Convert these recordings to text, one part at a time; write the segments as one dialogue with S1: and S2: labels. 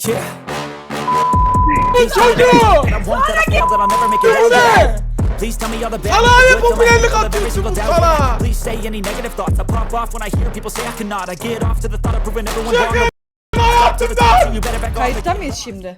S1: Yeah.
S2: Çocuğu!
S1: And I won't that I fail that I'll never make it out there. Please tell me all the bad,
S2: Sana
S1: the
S2: ne
S1: good,
S2: popülerlik
S1: the every single
S2: atıyorsunuz
S1: doubt.
S2: sana?
S1: Please say any negative thoughts. I pop off when I hear people say I cannot. I get off to the thought of proving everyone wrong.
S2: Şaka
S1: To
S2: yaptım
S1: the top, so
S2: lan!
S1: you better back off.
S3: Kayıtta mıyız şimdi?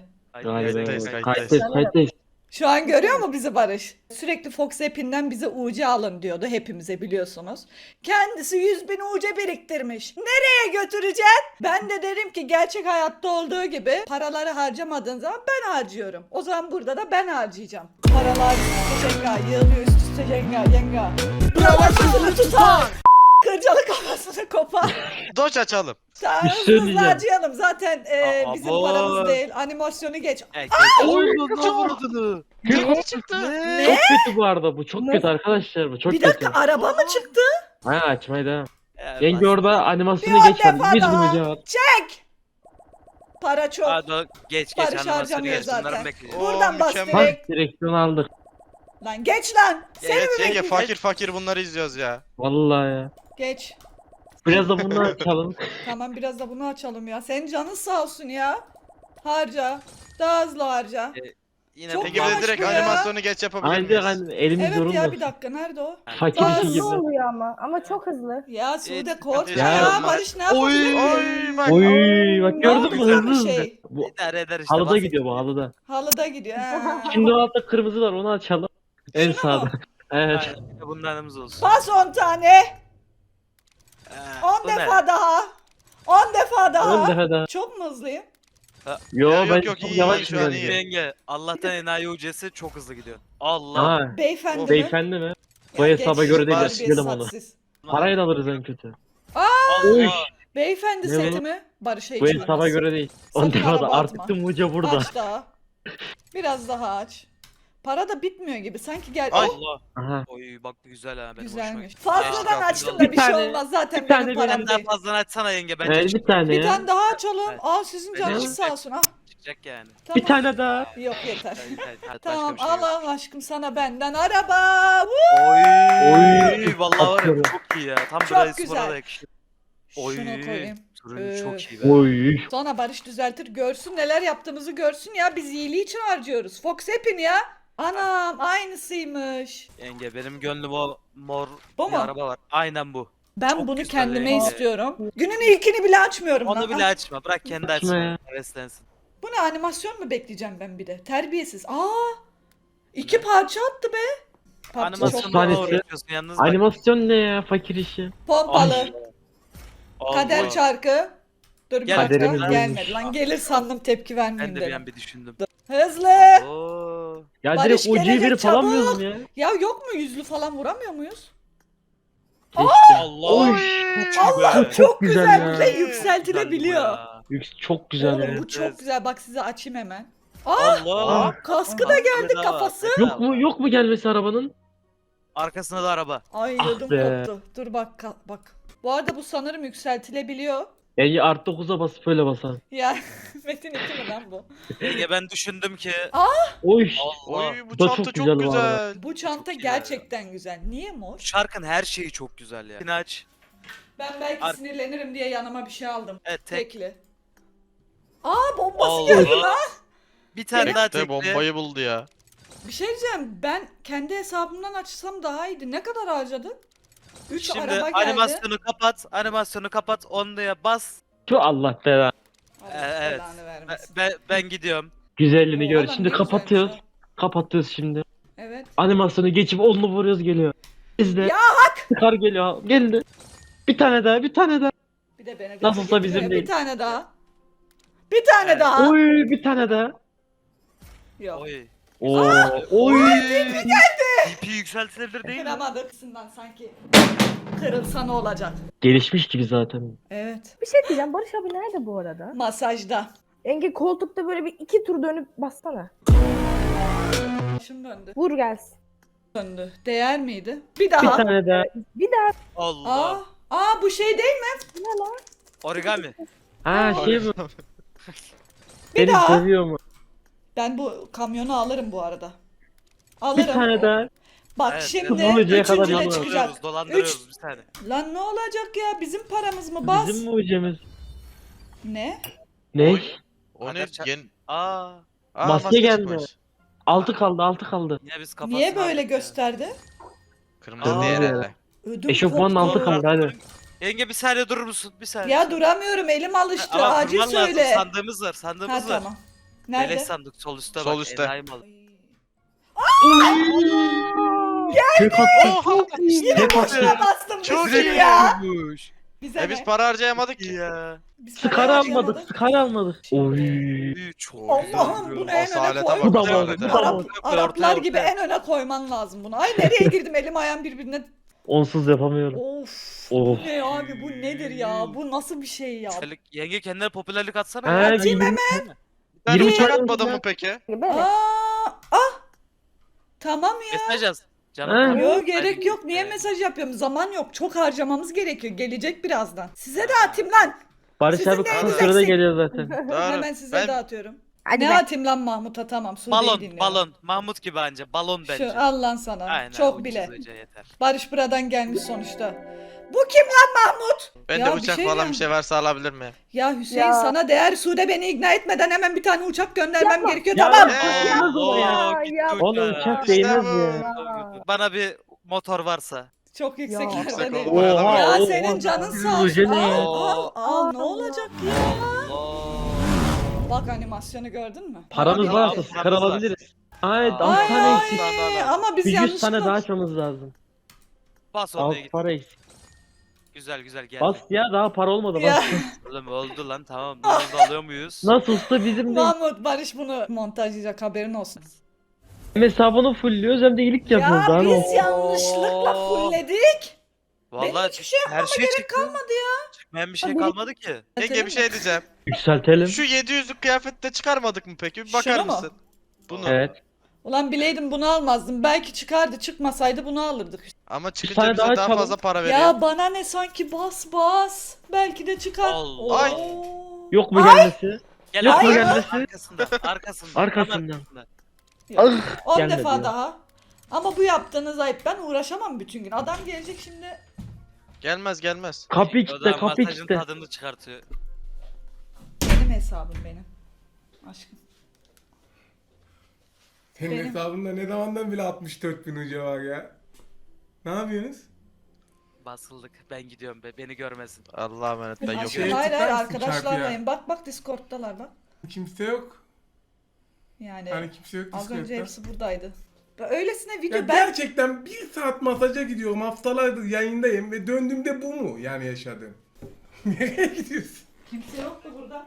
S4: Kayıttayız.
S3: Şu an görüyor mu bizi Barış? Sürekli Fox App'inden bize UC alın diyordu hepimize biliyorsunuz. Kendisi 100.000 UC biriktirmiş. Nereye götüreceksin? Ben de dedim ki gerçek hayatta olduğu gibi paraları harcamadığın zaman ben harcıyorum. O zaman burada da ben harcayacağım. Paralar üst üste cenga, yığılıyor üst üste cenga, yenga. Yavaşını tutar. Kırcalı kafasını kopar.
S5: Doç açalım.
S3: Tamam,
S4: Bir şey
S3: hızlı
S4: diyeceğim.
S3: harcayalım. Zaten bizim
S5: Abo.
S3: paramız değil. Animasyonu geç.
S4: Oy,
S5: Ne çıktı?
S4: Çok kötü bu arada bu. Çok kötü arkadaşlar bu. Çok
S3: Bir
S4: kötü.
S3: dakika araba mı çıktı?
S4: Ha açmaya devam. Yenge orada animasyonu
S3: Bir
S4: geç hadi.
S3: defa
S4: Biz
S3: daha.
S4: bunu cevap.
S3: Çek! Para çok.
S6: Geç
S3: Barış
S6: animasyonu
S3: harcamıyor
S6: geç. Bunları
S3: zaten.
S6: bekleyeceğim.
S3: Buradan bas
S5: mükemmel.
S3: direkt.
S4: Bak direksiyon aldık.
S3: Lan geç lan. Seni mi
S5: Evet yenge
S3: bekleyeceğim?
S5: fakir fakir bunları izliyoruz ya.
S4: Vallahi ya.
S3: Geç.
S4: Biraz da bunu açalım.
S3: Tamam biraz da bunu açalım ya. Senin canın sağ olsun ya. Harca. Daha hızlı harca.
S6: Yine
S3: Çok
S5: Peki
S3: yavaş
S5: biz direkt
S3: bu ya.
S5: animasyonu geç yapabilir
S4: Haydi
S5: miyiz?
S4: hani elimiz
S3: Evet ya
S4: yorulmasın.
S3: bir dakika nerede o?
S4: Fakir
S3: Daha
S4: işi
S3: hızlı
S4: gibi.
S7: oluyor ama çok hızlı.
S3: Ya Sude
S6: Evet,
S3: korkma
S5: ya.
S3: ya. Barış ne yapabilir?
S5: Oy bak.
S4: Oy bak gördün mü
S3: Güzel bir
S4: hızlı hızlı.
S3: şey.
S4: Bu
S6: idare eder işte.
S4: halıda
S6: basit.
S4: gidiyor bu halıda.
S3: Halıda gidiyor. Ha.
S4: Şimdi o altta kırmızı var onu açalım. En
S3: Şunu mu?
S4: sağda. Evet.
S6: Aynen, bir de bunlarımız olsun.
S3: Bas 10 tane.
S6: Ha,
S3: 10
S6: bu ne?
S3: defa daha. 10 defa daha.
S4: 10 defa daha.
S3: Çok mu hızlıyım?
S4: Yo
S5: Ya, yok,
S4: ben
S5: yok,
S4: çok
S5: iyi,
S4: yavaş
S5: iyi, şu an iyi.
S4: gidiyorum.
S6: Yenge Allah'tan enayi ucesi çok hızlı gidiyor. Allah.
S4: Ha.
S3: Beyefendi mi?
S4: Beyefendi mi? Bu
S3: Ya
S4: hesaba
S3: geç,
S4: göre değil,
S3: terbiyesiz,
S4: silelim onu.
S3: hadsiz.
S4: Parayla alırız en kötü.
S6: Allah.
S3: Beyefendi
S4: Ne
S3: seti
S4: bu?
S3: mi? Barış'a
S4: Bu
S3: hiç
S4: hesaba
S3: uymaz.
S4: göre değil.
S3: Sakın
S4: 10 defa
S3: araba
S4: da
S3: atma.
S4: artık tüm uca burada.
S3: Aç daha. Biraz daha aç. Para da bitmiyor gibi. Sanki gel.
S5: Ay.
S3: Oh,
S6: Allah.
S4: Aha.
S6: Oy bak bu güzel ha benim
S3: güzelmiş.
S6: hoşuma gitti.
S3: Fazladan
S5: Geçti,
S3: açtım da
S4: bir
S3: bir şey
S4: tane-
S3: olmaz. Zaten
S4: bir
S3: benim
S4: tane
S3: param
S6: Sen daha
S3: değil.
S6: fazla açsana yenge bence
S4: Evet, bir tane
S3: Bir
S4: ya.
S3: tane daha açalım.
S6: Evet.
S3: Aa sizin
S6: Bence
S3: canınız
S6: çıkacak.
S3: sağ olsun. Ah,
S6: çıkacak yani.
S3: tamam.
S4: Bir tane daha.
S3: Yok yeter.
S6: Hadi,
S3: Tamam
S6: başka bir şey yok.
S3: Allah aşkım sana benden araba. Woo!
S6: Oy vallahi var ya
S4: Atıyorum.
S6: çok iyi ya. Tam
S3: Çok
S6: Braille
S3: güzel.
S6: Spor'a da yakışıyor. Oy.
S3: Şunu koyayım.
S6: Turun çok iyi be.
S4: Oy.
S3: Sonra Barış düzeltir görsün neler yaptığımızı görsün ya. Biz iyiliği için harcıyoruz. Fox App'in ya. Anam aynısıymış.
S6: Yenge benim gönlüm o mor
S3: Bu
S6: bir
S3: mu?
S6: araba var. Aynen bu.
S3: Ben
S6: Çok
S3: bunu
S6: güzel
S3: kendime
S6: ya.
S3: istiyorum. Günün ilkini bile açmıyorum lan.
S6: Onu bile
S3: Ah,
S6: açma. Bırak kendi
S4: Açma
S6: açsın.
S4: ya.
S6: Heveslensin.
S3: Bu ne animasyon mu bekleyeceğim ben bir de? Terbiyesiz. Aa! 2 parça attı be. PUBG çok
S6: Animasyonu
S4: tanesi.
S6: da uğraşıyorsun yalnız bak.
S4: Animasyon ne ya fakir işi.
S3: pompalı.
S4: Ay.
S3: Kader
S6: Allah.
S3: çarkı. Dur bir
S6: Gel,
S3: dakika
S4: kaderimiz
S3: gelmedi
S4: buymuş.
S3: lan. Gelir sandım tepki
S6: Ben
S3: vermeyeyim
S6: de bir
S3: dedim.
S6: an bir düşündüm.
S3: Hızlı.
S6: Oo.
S4: Ya
S3: Barış
S4: direkt ucuyu
S3: gelecek,
S4: verip alamıyoruz mu ya?
S3: Ya yok mu yüzlü falan vuramıyor muyuz?
S4: Keşke.
S6: Allah.
S4: Oy.
S3: Allah
S4: Çok
S3: çok
S4: güzel
S3: güzel.
S4: ya.
S3: Bir de yükseltilebiliyor.
S4: Çok güzel
S3: Oğlum
S4: ya.
S3: bu çok güzel. Bak size açayım hemen.
S6: Allah.
S3: Kaskı da geldi
S6: Bedava.
S3: kafası.
S4: Yok mu gelmesi arabanın?
S6: Arkasında da araba.
S3: Ay
S4: Ah
S3: ödüm
S4: be.
S3: koptu. Dur bak bak. Bu arada bu sanırım yükseltilebiliyor.
S4: Yani artı 9'a basıp öyle basan.
S3: Ya Metin 2 mi lan bu?
S6: Yenge ben düşündüm ki.
S4: Oy.
S6: Allah.
S5: Oy bu
S4: Bu da
S5: çanta
S4: çok
S5: çok
S4: güzel bu arada.
S5: güzel.
S3: Bu çanta
S6: iyi ya.
S3: gerçekten güzel. Niye mor?
S6: Şarkın her şeyi çok güzel ya. İnaç.
S3: Ben belki
S6: Ar-
S3: sinirlenirim diye yanıma bir şey aldım.
S6: Evet tek.
S3: Tekli. Aa bombası
S6: Allah.
S3: geldi lan.
S6: Bir tane daha
S5: De
S6: tekli.
S5: bombayı buldu ya.
S3: Bir şey diyeceğim. Ben kendi hesabımdan açsam daha iyiydi. Ne kadar harcadın? 3
S6: Şimdi
S3: araba geldi.
S6: animasyonu kapat. Animasyonu kapat. Ondaya bas.
S4: Şu Allah belanı.
S3: Allah
S6: Evet.
S3: belanı vermesin.
S6: Ben gidiyorum.
S4: Güzelliğini
S3: Oo,
S4: gör.
S3: adam
S4: Şimdi
S3: ne
S4: kapatıyoruz.
S3: güzelmiş
S4: Kapatıyoruz şimdi.
S3: Evet.
S4: Animasyonu geçip onunla vuruyoruz geliyor. İzle.
S3: Ya
S4: Kar geliyor. Geldi. Bir tane daha, bir tane daha.
S3: Bir de beni
S4: Nasılsa
S3: gaza
S4: bizim
S3: getiriyor.
S4: değil.
S3: Bir tane daha. Bir tane daha.
S4: Oy, bir tane daha.
S3: Yok.
S6: Oy.
S4: Oo. Oy.
S6: DP yükseltilebilir değil mi?
S3: Kıramadık. Kısımdan sanki kırılsa ne olacak?
S4: Gelişmiş gibi zaten.
S3: Evet.
S7: Bir şey diyeceğim. Barış abi nerede bu arada?
S3: Masajda.
S7: Enge koltukta böyle bir 2 tur dönüp bassana.
S3: Başım döndü.
S7: Vur gelsin.
S3: Döndü. Değer miydi? Bir
S4: Bir
S3: daha.
S4: tane daha.
S7: Bir daha
S6: Allah.
S3: Aa bu şey değil mi?
S7: ne lan?
S6: Origami.
S4: Ha şey bu.
S3: Bir
S4: Seni
S3: daha.
S4: seviyor mu?
S3: Ben bu kamyonu alırım bu arada.
S4: Bir
S3: Alırım.
S4: tane daha.
S3: Bak
S6: Evet,
S3: şimdi
S4: evet. Bulucuya kadar
S3: üçüncü de
S4: yalvarırız.
S3: çıkacak.
S6: Dolandırıyoruz bir tane.
S3: Lan ne olacak ya? Bizim paramız mı? Bas.
S4: Bizim mi ucumuz?
S3: Ne?
S4: Ne?
S5: O ne?
S6: Kader ça-
S5: Yeni...
S6: Aa.
S5: Aa,
S4: Maske geldi.
S5: çıkmış.
S4: 6 kaldı 6 kaldı.
S6: Yine biz kafasına
S3: Niye böyle
S6: aldık ya.
S3: gösterdi?
S5: Kırmızı
S6: Aa.
S5: diğer elle.
S3: Ödüm
S4: Eşofmanın
S3: koptu.
S4: altı kaldı hadi.
S6: Yenge bir saniye durur musun? Bir saniye.
S3: Ya duramıyorum, elim alıştı.
S6: Ama
S3: Acil
S6: durman lazım,
S3: söyle.
S6: Sandığımız var,
S3: Ha
S6: sandığımız var.
S3: tamam. Nerede?
S6: Beleş sandık sol üstte
S5: Sol
S6: bak.
S5: üstte.
S6: Enayi malı.
S4: Tek attı.
S5: Oha!
S3: Yine
S4: Tek
S3: boşuna
S4: attı.
S3: bastım
S5: Çok
S3: bir sürü
S5: iyi.
S3: ya. Bize
S5: Biz
S3: ne?
S5: para harcayamadık ki.
S6: Ya.
S3: Biz
S4: Skar
S3: para
S4: almadık.
S3: harcayamadık.
S4: Skar almadık. Oy.
S6: Çok
S3: Allah'ım bunu en öne
S5: Asalete
S3: koy.
S5: bak,
S4: Bu da
S5: asalete.
S4: var, bu da
S3: Arap,
S4: var.
S3: Araplar gibi en öne koyman lazım bunu. Ay nereye girdim, elim ayağım birbirine.
S4: Onsuz yapamıyorum.
S3: Of.
S4: Of.
S3: Bu ne abi, bu nedir ya? Bu nasıl bir şey ya?
S6: Yenge kendine popülerlik atsana
S4: Ha,
S6: ya.
S3: Atayım
S4: hemen.
S5: Bir tane
S4: 20
S5: bıçak
S4: tane
S5: atmadın
S4: bıçak.
S5: mı peki?
S7: Böyle.
S3: Tamam ya.
S6: Mesaj yaz.
S4: Ha.
S6: Canım.
S3: Yok gerek yok. Niye mesaj yapıyorum? Zaman yok. Çok harcamamız gerekiyor. Gelecek birazdan. Size de atayım lan.
S4: Barış
S3: Sizin
S4: abi kısa
S3: neyiniz
S4: sürede
S3: eksik?
S4: geliyor zaten.
S5: Doğru.
S3: Hemen size
S5: Ben-
S3: dağıtıyorum.
S7: Hadi
S3: Ne
S7: be.
S3: atayım lan Mahmut'a, tamam. Sude'yi
S6: Balon,
S3: dinliyorum.
S6: balon. Mahmut gibi anca. Balon bence.
S3: Şu al lan sana.
S6: Aynen,
S3: Çok
S6: ucuz
S3: bile.
S6: hoca yeter.
S3: Barış buradan gelmiş sonuçta. Bu kim lan Mahmut?
S5: Ben
S3: Ya
S5: de
S3: bir
S5: bıçak
S3: şey
S5: falan
S3: ya.
S5: bir şey varsa alabilir miyim?
S3: Ya Hüseyin
S7: Ya.
S3: sana değer, Sude beni ikna etmeden hemen bir tane uçak göndermem
S7: Yapma.
S3: gerekiyor,
S4: Ya.
S3: tamam.
S4: Değmez ona ya.
S6: Allah, gitti
S7: Ya.
S4: Oğlum
S6: uçağa.
S4: uçak
S5: İşte
S4: değmez
S5: bu.
S4: ya.
S6: Bana bir motor varsa.
S3: Çok
S7: Yüksek
S3: yükseklerde değil.
S5: oldu. Oha,
S3: Ya
S4: oha.
S3: senin canın sağ
S4: Bu
S3: olsun.
S4: ne ya?
S3: Al ne olacak ya?
S6: Allah.
S3: Bak animasyonu gördün mü?
S4: Paramız
S3: Hadi.
S4: varsa skar alabiliriz. Hayır 6
S3: Ay,
S4: tane eksik.
S3: ay, ama biz
S4: Bir 100
S3: yanlışlıkla...
S4: tane daha açmamız lazım.
S6: Bas oraya
S4: 6
S6: git.
S4: para eksik.
S6: Güzel güzel gel.
S4: Bas ya daha para olmadı
S3: Ya.
S4: bas.
S6: Oğlum oldu lan tamam. Bunu da alıyor muyuz?
S4: Nasılsa bizim de
S3: Mahmut, Barış bunu montajlayacak, haberin olsun.
S4: hem hesabını fullüyoruz hem de iyilik yapıyoruz. Daha
S3: Ya
S4: ne
S3: biz
S4: olsun?
S3: yanlışlıkla fullledik. Benim
S6: Vallahi
S3: hiçbir şey
S6: her şey
S3: Gerek
S6: çıktı.
S3: kalmadı ya.
S6: Çıkmayan bir şey
S7: Hadi.
S6: kalmadı ki.
S5: Yenge bir şey diyeceğim.
S4: Yükseltelim.
S5: Şu 700'lük kıyafette çıkarmadık mı peki? Bir bakar
S3: Şunu mu?
S5: mısın? Bunu.
S4: Evet.
S3: Ulan bileydim bunu almazdım. Belki çıkardı, çıkmasaydı bunu alırdık.
S5: Ama
S4: tane
S5: çıkınca
S4: daha
S5: bize daha
S4: çalalım.
S5: fazla para veriyor.
S3: Ya bana ne, sanki bas. Belki de çıkar.
S6: Allah.
S5: Ay.
S4: Yok mu gelmesi?
S6: Gel
S4: Yok
S6: abi.
S4: mu gelmesi?
S6: Arkasında. Arkasında.
S4: Arkasından.
S3: Yok.
S4: Ah,
S3: 10
S4: gelmedi
S3: defa
S4: ya.
S3: daha. Ama bu yaptığınız ayıp. Ben uğraşamam bütün gün. Adam gelecek şimdi.
S5: Gelmez gelmez.
S4: Kapıyı
S6: O da
S4: kitle kapıyı
S6: masajın
S4: kitle.
S6: tadını çıkartıyor.
S3: Benim hesabım benim. Aşkım.
S2: Senin
S3: Benim.
S2: hesabında ne zamandan bile 64.000 ucu var ya. Ne yapıyorsunuz?
S6: Basıldık. Ben gidiyorum be. Beni görmesin.
S5: Allah'a emanet ben
S3: Aşkım
S5: yokum.
S3: hayır
S2: tıklar
S3: hayır,
S2: mısın
S3: arkadaşlarlayım. Bak Discord'dalar bak.
S2: Kimse yok.
S3: Yani
S2: Hani kimse yok
S3: az önce
S2: Discord'da.
S3: hepsi buradaydı. Öylesine video
S2: Ya
S3: ben...
S2: gerçekten bir saat masaja gidiyorum, haftalardır yayındayım ve döndüğümde bu mu yani yaşadığım? Nereye gidiyorsun?
S3: Kimse yoktu burada.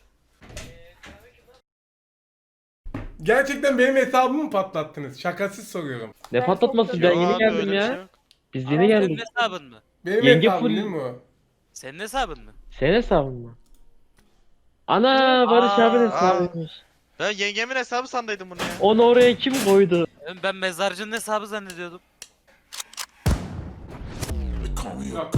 S2: Gerçekten benim hesabımı mı patlattınız? Şakasız soruyorum.
S4: Ne
S7: Ben
S4: patlatması
S7: çok
S4: ben
S5: Yok
S4: yeni
S5: abi,
S4: geldim
S5: öyle bir şey
S4: ya.
S5: yok.
S4: Biz
S7: Ama
S4: yeni
S6: Senin
S4: geldik.
S6: hesabın mı?
S2: Benim
S4: Yenge
S2: hesabım
S4: full-
S2: değil mi o?
S6: Senin hesabın mı?
S4: Senin hesabın mı? Ana Barış
S6: Aa,
S4: abinin hesabıymış.
S5: Ben yengemin hesabı sandıydım bunu ya.
S4: Onu oraya kim koydu?
S6: Ben mezarcının hesabı zannediyordum.
S2: Yok.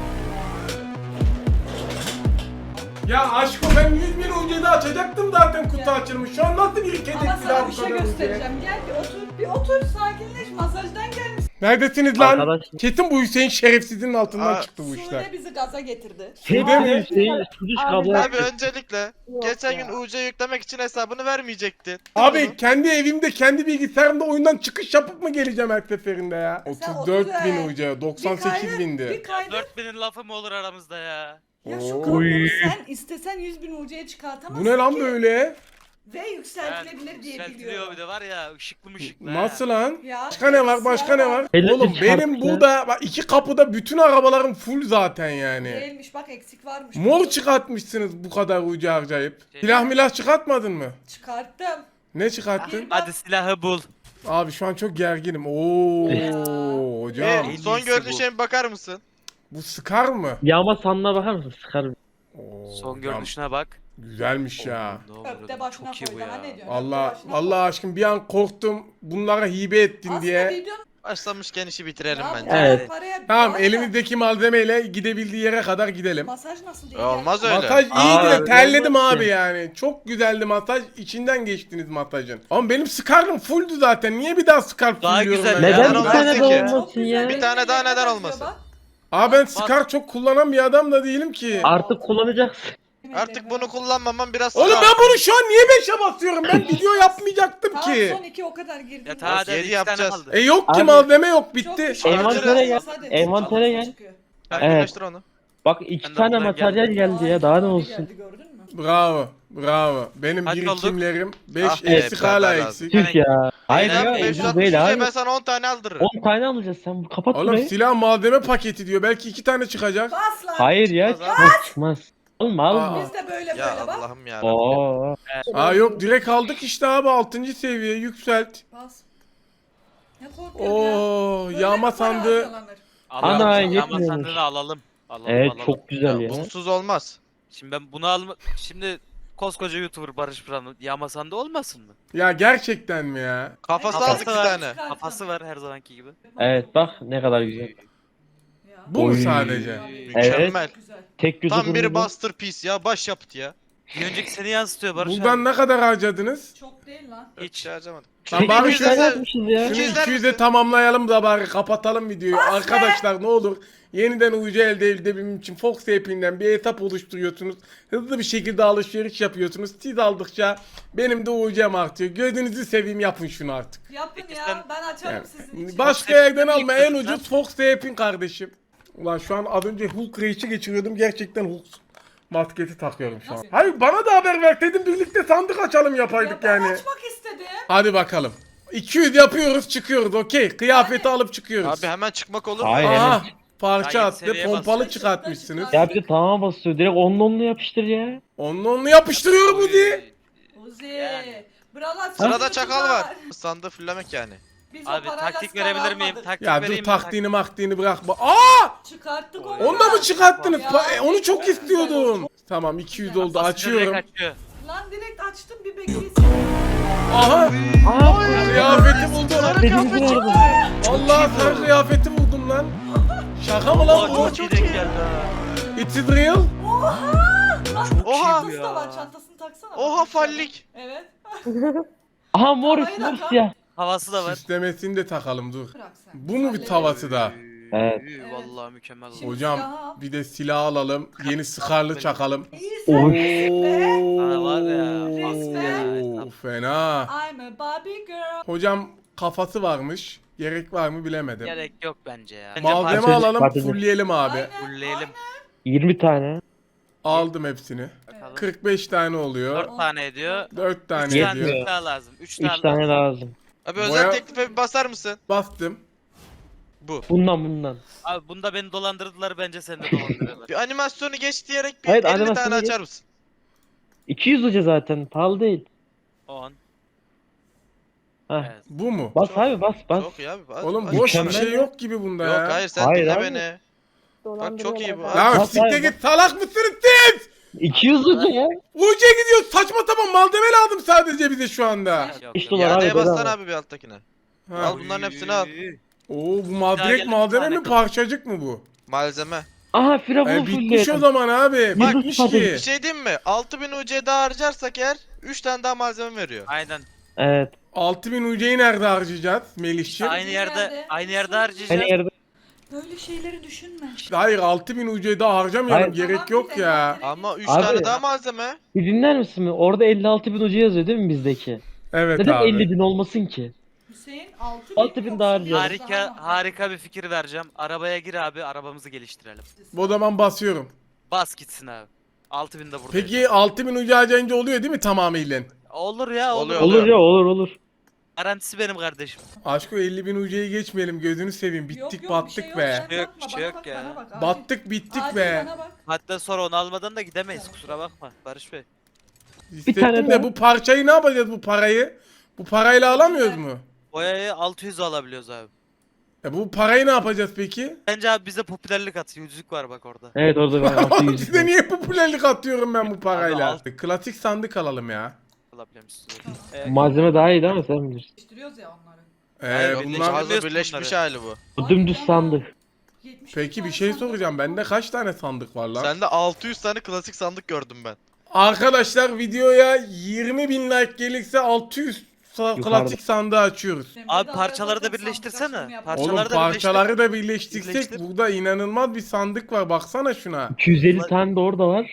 S2: Ya aşkım ben 100.000 UC'de açacaktım zaten kutu açılmış. Şu an nasıl bir kedi
S3: Ama sana
S2: daha
S3: bir
S2: bu
S3: şey
S2: kadar UC?
S3: göstereceğim. Gel bir otur sakinleş. Masajdan gelmiş.
S2: Neredesiniz lan?
S4: Arkadaş-
S2: Kesin bu Hüseyin şerefsizin altından
S5: Aa,
S2: çıktı bu işler.
S3: Sude bizi gaza getirdi.
S2: Sude
S4: Hepsi
S2: mi?
S4: Hüseyin Suduş
S7: Abi
S4: kablo
S7: ben-
S5: Abi öncelikle
S7: Yok
S5: geçen
S7: ya.
S5: gün UC yüklemek için hesabını vermeyecektin.
S2: Abi kendi evimde kendi bilgisayarımda oyundan çıkış yapıp mı geleceğim her seferinde ya?
S3: Sen
S2: 34.000 UC,
S3: Bir
S2: 98.000'di.
S3: kaydet.
S6: 4000'in lafı mı olur aramızda ya?
S3: Ya şu
S2: Oo.
S3: kabloyu sen istesen 100.000 UC'ye çıkartamazsın
S2: Bu ne lan
S3: ki.
S2: böyle?
S3: Ve yükseltilebilir diye
S6: Yükseltiliyor
S3: biliyorum.
S6: bir de var ya ışıklı mışıklı.
S2: Nasıl lan?
S3: Ya,
S2: Başka ne var? Başka ne var?
S4: Belli
S2: Oğlum
S4: bir
S2: benim
S4: çarpı
S2: burada bak iki kapıda bütün arabalarım full zaten yani.
S3: Değilmiş bak, eksik varmış.
S2: Mor çıkartmışsınız bu kadar ucu harcayıp.
S6: Şey-
S2: Silah milah çıkartmadın mı?
S3: Çıkarttım.
S2: Ne çıkarttın?
S6: Hadi silahı bul.
S2: Abi şu an çok gerginim. Oo hocam.
S6: En
S5: Son
S6: iyisi
S5: görünüşe bir bakar mısın?
S2: Bu sıkar mı?
S4: Yağma sanına bakar mısın? Sıkarım.
S2: Oo,
S6: Son
S2: hocam,
S6: görünüşüne bak.
S2: Güzelmiş ya.
S6: Oo, ne
S3: Öpte
S6: oldu?
S3: başına
S6: Çok iyi
S3: koy,
S6: bu
S3: daha
S6: ya.
S3: ne diyorsun?
S2: Allah
S3: Öpte başına
S2: Allah
S3: koy.
S2: aşkım bir an korktum. Bunlara hibe ettin
S3: Aslında
S2: diye.
S3: videonun
S5: Başlamışken işi bitirelim
S3: ya
S5: bence.
S3: bu
S4: Evet.
S3: paraya
S2: Tamam
S3: bağlı.
S2: elimizdeki malzemeyle gidebildiği yere kadar gidelim.
S3: Masaj nasıl diye
S5: Olmaz
S3: geldi.
S5: öyle.
S2: Masaj iyiydi de
S4: Aa,
S2: terledim
S4: olmaz
S2: abi
S4: ki.
S2: yani. Çok güzeldi masaj. İçinden geçtiniz masajın. Ama benim Scar'ım fulldü zaten. Niye bir daha Scar
S6: Daha
S2: fullüyorum
S6: güzel
S2: ben
S6: ya.
S2: ya?
S4: Neden bir
S5: olmaz
S4: tane
S5: ki.
S4: de
S5: Çok
S4: olmasın ya?
S5: Bir tane daha neden olmasın?
S2: Abi ben Scar çok kullanan bir adam da değilim ki.
S4: Artık kullanacaksın.
S5: Artık bunu kullanmamam biraz
S2: Oğlum
S5: sıkar.
S2: ben bunu şu an niye 5'e basıyorum? Ben video yapmayacaktım
S3: Tamam
S2: ki.
S3: son 2 o kadar girdim.
S6: Ya ta hadi
S5: Yedi
S6: 2 tane
S5: yapacağız.
S6: kaldı.
S2: Yok ki
S4: Abi-
S2: malzeme yok
S3: Çok
S2: bitti.
S3: düşük.
S4: Envantere gel.
S3: Hadi.
S4: Envantere gel.
S3: Çıkıyor.
S5: Arkadaşlar onu.
S4: Bak
S6: Ben
S4: 2
S6: de
S4: tane
S6: buradan
S4: materyal geldi ya daha ne
S3: Abi
S4: olsun.
S3: geldi, gördün mü?
S2: Bravo. Bravo. Benim
S6: Kaç
S2: birikimlerim 5
S5: Ah be,
S2: eksik hala
S5: beraber
S2: eksik.
S4: Tüh ya. Hayır
S5: Hayır
S4: ya
S5: abi,
S4: ucuz
S5: 560
S4: değil
S5: ben
S4: abi.
S5: sana 10 tane aldırırım.
S4: 10 tane alacağız sen kapat
S2: Oğlum
S4: burayı.
S2: silah malzeme paketi diyor. Belki 2 tane çıkacak.
S3: Bas lan.
S4: Hayır ya
S5: Çıkmaz
S4: çıkmaz çıkmaz. Alma alma.
S3: Biz de böyle
S5: Ya
S3: böyle bak.
S5: Allah'ım ya.
S4: Oo.
S2: Aa yok direkt aldık işte abi 6. seviye yükselt.
S3: Bas. Ne korkuyorsun ya?
S2: Oo
S3: Böyle
S2: yağma
S3: mi para
S2: sandığı.
S3: harcanır?
S6: Alalım.
S4: Ana,
S6: Yağma
S4: yetmiyormuş.
S6: sandığını alalım. Alalım
S4: Evet
S6: alalım.
S4: çok güzel ya.
S5: Bunsuz olmaz.
S6: Şimdi ben bunu alma... Şimdi koskoca YouTuber Barış Pıran yağma sandığı olmasın mı?
S2: Ya gerçekten mi ya?
S5: Kafası
S6: Kafası
S5: aldık 2
S6: var.
S5: tane.
S6: Kafası var her zamanki gibi.
S4: Evet bak ne kadar güzel.
S3: Ya.
S2: Bu mu
S4: Oy.
S2: sadece?
S5: Mükemmel.
S3: Güzel.
S4: Tek gözü
S5: Tam bir
S4: kırmızı.
S5: masterpiece ya. Başyapıt ya.
S6: Bir önceki seni yansıtıyor Barış
S2: Buradan
S6: abi.
S2: ne kadar harcadınız?
S3: Çok değil lan.
S6: Hiç.
S5: Hiç harcamadım.
S2: Lan bari
S4: Tek
S2: şöyle-
S4: gözü yapmışız ya.
S2: Şunu
S5: İkizler
S2: 200'e
S5: misin?
S2: tamamlayalım da bari kapatalım videoyu. Arkadaşlar ne olur yeniden UC elde edebilmem için Fox App'inden bir hesap oluşturuyorsunuz. Hızlı bir şekilde alışveriş yapıyorsunuz. Siz aldıkça benim de UC'm artıyor. Gözünüzü seveyim yapın şunu artık.
S3: Yapın
S6: Peki
S3: ya.
S6: sen-
S3: Ben açarım
S2: Yani,
S3: sizin için.
S2: başka
S6: Fox
S2: yerden
S6: App'in
S2: alma
S6: ilk
S2: en
S6: kısmı.
S2: ucuz Fox App'in kardeşim. Ulan şu an az önce Hulk Rage'i geçiriyordum. Gerçekten Hulk masketi takıyorum şu an.
S3: Nasıl?
S2: Hayır bana da haber ver dedim birlikte sandık açalım
S3: Ya
S2: yapaydık
S3: ben
S2: yani.
S3: açmak istedim.
S2: Hadi bakalım. 200 yapıyoruz çıkıyoruz okey. Kıyafeti alıp çıkıyoruz.
S5: Abi hemen çıkmak olur mu?
S4: Hayır.
S2: Aha
S4: evet.
S2: parça
S6: Daha
S2: attı
S6: yeni seviyeye
S2: pompalı
S3: basıyor.
S2: çıkartmışsınız.
S4: Ya bir de tamam basıyor direkt onunla yapıştır ya.
S2: Onu yapıştırıyorum Uzi.
S3: Uzi.
S6: Yani.
S3: Buralar
S5: Sırada çakal var. Sandığı fullemek yani.
S3: Biz o
S6: Abi
S3: parayla
S6: taktik
S3: skala
S6: verebilir miyim?
S3: almadık.
S6: Taktik
S2: Ya dur
S6: vereyim mi?
S2: taktiğini maktiğini bırakma. Aa!
S3: Çıkarttık
S6: Oy.
S3: onu.
S2: Onu da mı çıkarttınız?
S3: Ya,
S2: Onu çok
S3: çok
S2: istiyordum.
S3: güzel
S2: Tamam 200
S3: Ya,
S2: oldu
S6: Basınca
S2: açıyorum.
S6: direkt açıyor.
S3: Lan direkt açtım bir bekleyin.
S2: Aha
S4: Aa
S2: kıyafeti buldum.
S4: dediğimiz nerede?
S2: Allah sarı kıyafeti buldum lan. Şaka mı lan
S6: Aa,
S2: bu?
S6: çok iyi denk geldi ha.
S2: It's real.
S3: Oha! Lan
S5: Oha!
S3: çantası da var çantasını taksana.
S5: Oha fallik.
S3: Evet.
S4: Aha morris
S3: Havayı da
S4: morris
S3: tak.
S4: ya.
S6: Havası da var.
S2: Süslemesini de takalım dur.
S3: Bırak sen.
S2: Bu mu bir
S3: Hallederiz.
S2: tavası da?
S4: Evet.
S6: Vallahi mükemmel oldu.
S3: Şimdi
S2: Hocam
S3: silahı al.
S2: bir de silah alalım. Yeni sıkarlı çakalım.
S3: İyisin.
S4: Oy.
S6: Ha, var ya.
S3: Resmen.
S2: Oo, fena.
S3: I'm a Barbie girl.
S2: Hocam kafası varmış. Gerek var mı bilemedim.
S6: Gerek yok bence ya. Bence
S2: Malzeme
S4: parça
S2: alalım,
S4: çıkartacağız.
S2: fullleyelim abi.
S3: Aynen.
S6: fulleyelim.
S4: 20 tane.
S2: Aldım hepsini. 45 tane oluyor.
S6: 4 tane ediyor.
S2: 4
S6: 3
S2: tane
S4: Yetmiyor.
S2: ediyor.
S6: daha lazım. 3
S4: 3
S6: tane
S4: tane lazım.
S5: Abi
S2: Boya-
S5: özel teklife bir basar mısın?
S2: Bastım.
S5: Bu.
S4: Bundan.
S6: Abi bunda beni dolandırdılar, bence seni de dolandırıyorlar.
S5: Bir animasyonu geç diyerek bir
S4: Evet,
S5: 50
S4: animasyonu
S5: tane
S4: geç.
S5: açar mısın?
S4: 200 hoca zaten pahalı değil.
S6: 10.
S4: Heh.
S6: Evet.
S2: Bu mu?
S4: Bas
S5: Çok-
S4: abi bas.
S5: Çok iyi abi. Bas,
S2: Oğlum
S5: bas.
S2: boş bir
S4: Mükemmel
S2: şey
S4: ya.
S2: yok gibi bunda
S5: Yok
S2: ya.
S5: hayır sen
S4: Hayır
S5: dinle
S4: abi.
S5: beni. Bak çok iyi bu.
S7: Dolandırıyorlar.
S2: Ya
S4: Bas
S2: siktir
S4: abi,
S2: git salak mısınız siz?
S4: 200 hoca ya.
S2: UC gidiyor saçma sapan malzeme lazım sadece bize şu anda.
S6: Yok,
S4: 5
S6: yok.
S4: dolar abi
S5: İadeye bassana
S4: bedava.
S5: abi bir alttakine.
S2: Ha.
S5: Al bunların hepsini al.
S2: Oo bu
S6: Daha
S2: direkt
S6: gelin
S2: malzeme
S6: bir
S2: mi
S6: tane
S2: parçacık mı bu?
S5: Malzeme.
S4: Aha firavunu
S2: Bitmiş o
S4: fullleyelim.
S2: zaman abi.
S4: Bak,
S2: Bitmiş
S4: hadi.
S2: ki.
S5: Bir şey diyeyim mi? 6000 UC daha harcarsak eğer 3 tane daha malzeme veriyor.
S6: Aynen.
S4: Evet.
S2: 6000 UC'yi nerede harcayacağız Melih'ciğim?
S6: Aynı yerde
S3: Nerede?
S6: harcayacağız.
S4: Hani yerde.
S3: Böyle şeyleri düşünme.
S2: Hayır 6000 UC'yi daha harcamayalım
S4: Hayır.
S2: gerek
S3: Tamam,
S2: yok
S3: bir de
S2: ya.
S3: envantere
S5: Ama 3
S4: Abi-
S5: tane daha malzeme.
S4: Bir dinler misin mi? Orada 56 bin hoca yazıyor değil mi bizdeki?
S2: Evet
S4: Neden
S2: abi.
S4: 50 bin olmasın ki?
S3: Hüseyin 6000
S4: 6000 daha harcayalım.
S6: Harika bir fikir vereceğim. Arabaya gir abi, arabamızı geliştirelim.
S2: O zaman basıyorum.
S6: Bas gitsin abi. 6000 de burada.
S2: Peki 6000 UC harcayınca oluyor değil mi tamamıyla?
S6: Olur ya, olur.
S5: Oluyor.
S4: Olur ya olur.
S6: Garantisi benim kardeşim.
S2: Aşko 50.000 UC'yi geçmeyelim gözünü seveyim bittik battık be.
S6: Yok, bir şey yok ya.
S2: Battık bittik be.
S6: Hatta sonra onu almadan da gidemeyiz, kusura bakma Barış Bey.
S2: İstettim
S4: tane
S2: de
S4: daha.
S2: bu parçayı ne yapacağız bu parayı? Bu parayla alamıyoruz mu?
S6: Boyayı 600 alabiliyoruz abi.
S2: Bu parayı ne yapacağız peki?
S6: Bence abi bize popülerlik atıyor. Yüzük var bak orada.
S4: Evet orada ben 600.
S2: Size niye popülerlik atıyorum ben bu parayla?
S6: Abi,
S2: Klasik sandık alalım ya.
S6: Alabiliyormuşuz.
S4: Malzeme daha iyi ama sen bilirsin.
S3: Değiştiriyoruz ya onları.
S5: Hayır,
S2: Bunlar...
S5: hazır birleşmiş hali bu.
S4: Bu dümdüz sandık.
S3: 70
S2: Peki bir
S3: tane
S2: şey
S3: sandık
S2: soracağım. Bende kaç tane sandık var lan?
S5: Sende 600 tane klasik sandık gördüm ben.
S2: Arkadaşlar videoya 20.000 like gelirse 600
S4: Yukarıda.
S2: klasik sandığı açıyoruz.
S3: Emre
S6: Abi
S3: de
S6: parçaları da
S3: arada
S6: birleştirsene.
S3: sandık açılımı
S6: Parçaları
S2: Oğlum
S6: da
S2: parçaları da birleştirsek
S6: Birleştir.
S2: burada inanılmaz bir sandık var. Baksana şuna.
S4: 250 tane de orada var.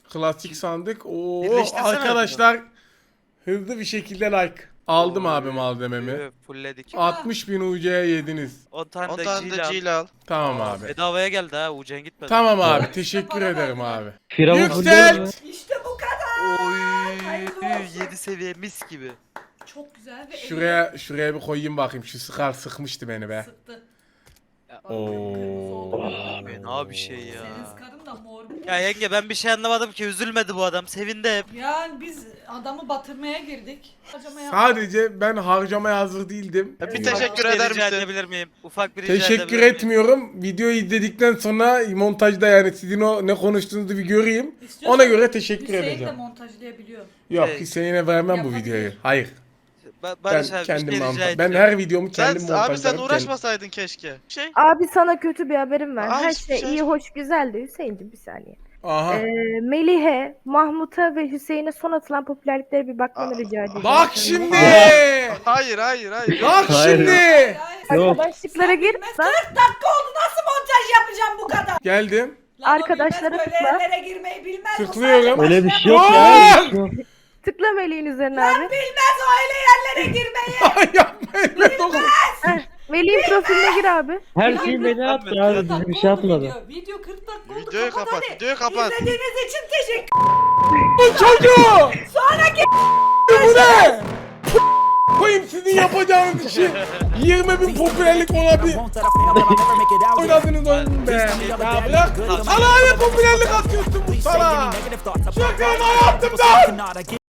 S2: Klasik sandık. Oo
S6: Birleştirsene
S2: arkadaşlar hızlı bir şekilde like. Aldım abi malzememi.
S6: Fullledik.
S2: 60.000 UC'ye yediniz.
S6: 10 tane
S5: 10
S6: de
S5: tane de
S6: G'yle al.
S5: G'yle al.
S2: Tamam abi.
S6: Bedavaya geldi ha. Ucen gitmedi.
S2: Tamam abi teşekkür ederim abi.
S4: Firavun
S2: Yükselt!
S3: İşte bu kadar.
S6: Oy.
S3: Hayırlı olsun.
S6: 7 seviye mis gibi.
S3: Çok güzel ve
S2: Şuraya bir koyayım bakayım. Şu sıkar sıkmıştı beni be.
S3: sıktı.
S2: Oo.
S6: Fena bir şey ya.
S3: Senin skarın da mor.
S6: Ya yenge ben bir şey anlamadım ki. Üzülmedi bu adam. Sevindi hep.
S3: Yani biz adamı batırmaya girdik. Acımaya
S2: Sadece ben harcamaya hazır değildim.
S5: Bir
S6: Ufak
S5: teşekkür
S6: bir şey
S5: eder
S6: rica
S5: misin?
S6: edebilir miyim? Ufak bir rica
S2: Teşekkür
S6: edebilir miyim?
S2: etmiyorum. Videoyu izledikten sonra montajda yani sizin o ne konuştuğunuzu bir göreyim.
S3: İstiyorsan
S2: Ona göre teşekkür
S3: Hüseyin de
S2: edeceğim.
S3: montajlayabiliyor.
S2: Yok
S6: Şey-
S2: Hüseyin'e vermem bu
S3: Yapabilir.
S2: videoyu. Hayır. Ben
S6: Barış abi
S2: kendim
S6: bir şey rica
S2: montaj. Ben
S6: ediyorum.
S2: her videomu
S5: Sen,
S2: kendim montajlarım.
S5: abi sen
S2: kendim.
S5: uğraşmasaydın keşke.
S7: Abi sana kötü bir haberim var.
S5: Ay,
S7: Her
S5: hiçbir
S7: şey
S5: şey-
S7: iyi, hoş, güzeldi. Hüseyin'cim bir saniye.
S2: Aha.
S7: Melih'e, Mahmut'a ve Hüseyin'e son atılan popülerliklere bir bakmanı rica edeceğim.
S2: Bak şimdi.
S5: Hayır hayır hayır.
S2: Bak
S4: Hayır.
S2: şimdi.
S7: Arkadaşlıklara gir.
S3: Bilmez 40 dakika oldu nasıl montaj yapacağım bu kadar?
S2: Geldim.
S3: Lan o
S7: Arkadaşlara
S3: bilmez, böyle
S7: tıkla.
S3: yerlere girmeyi bilmez. bu
S2: Tıklıyorum.
S3: sadece
S4: Öyle bir
S3: başına
S4: şey yok
S3: bak-
S4: ya. Öyle bir şey yok.
S7: Tıkla Melih'in üzerine abi.
S3: Bilmez o öyle yerlere girmeyi.
S2: Yapma elime dokun.
S7: Heh, Melih'in profiline gir abi.
S4: Her şeyi beni attı abi. Bize bir şey atmadı.
S3: Video 40 dakika oldu.
S5: Videoyu kapat, videoyu kapat.
S3: İzlediğiniz için teşekkür
S2: Bu çocuğu.
S3: Sonraki
S2: Bu ne? Koyayım sizin yapacağınız işi. 20.000 popülerlik olabilir.
S1: Won't that I fail, but I'll never make it out.
S2: Oynadınız oyunu be. Ya bırak. Sana ne popülerlik atıyorsun bu
S1: Please say
S2: sana.
S1: any negative thoughts. I
S2: Şaka
S1: pop off,
S2: yaptım
S1: people say I
S2: lan.
S1: cannot. I get